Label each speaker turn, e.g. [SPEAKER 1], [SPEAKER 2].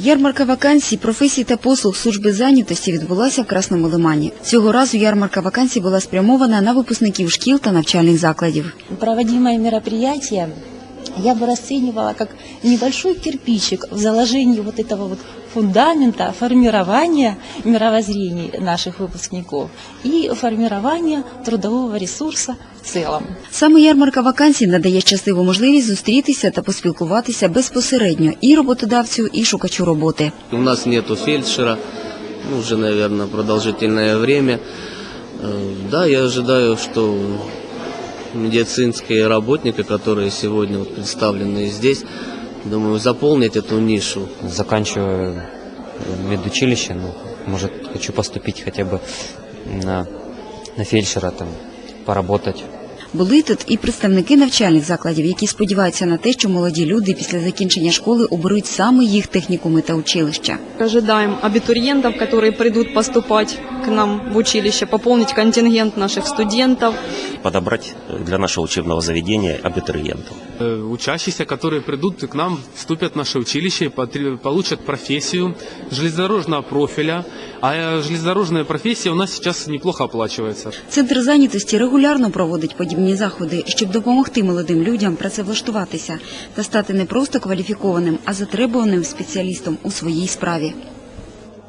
[SPEAKER 1] Ярмарка вакансій, професій та послуг служби зайнятості відбулася в Красному Лимані. Цього разу ярмарка вакансій була спрямована на випускників шкіл та навчальних закладів.
[SPEAKER 2] Проводимое мероприятие я бы расценивала как небольшой кирпичик в заложении вот этого вот фундамента формирования мировоззрений наших выпускников и формирования трудового ресурса в целом.
[SPEAKER 1] Саме ярмарка вакансій надає щасливу можливість зустрітися та поспілкуватися безпосередньо і роботодавцю, і шукачу роботи.
[SPEAKER 3] У нас нету фельдшера, уже, наверное, продолжительное время. Да, я ожидаю, что медицинские работники, которые сегодня представлены здесь, думаю, заполнить эту нишу.
[SPEAKER 4] Заканчиваю медучилище, может, хочу поступить хотя бы на фельдшера, там, поработать.
[SPEAKER 1] Були тут і представники навчальних закладів, які сподіваються на те, що молоді люди після закінчення школи оберуть саме їх технікуми та училища.
[SPEAKER 5] Ожидаем абитуриентов, которые придут поступать к нам в училище, пополнить контингент наших студентов.
[SPEAKER 6] Подобрать для нашего учебного заведения абитуриентов.
[SPEAKER 7] Учащиеся, которые придут к нам, вступят в наше училище, получат профессию железнодорожного профиля, а железнодорожная профессия у нас сейчас неплохо оплачивается.
[SPEAKER 1] Центр зайнятості регулярно проводить подібні заходи, щоб допомогти молодим людям працевлаштуватися та стати не просто кваліфікованим, а затребуваним спеціалістом у своїй справі.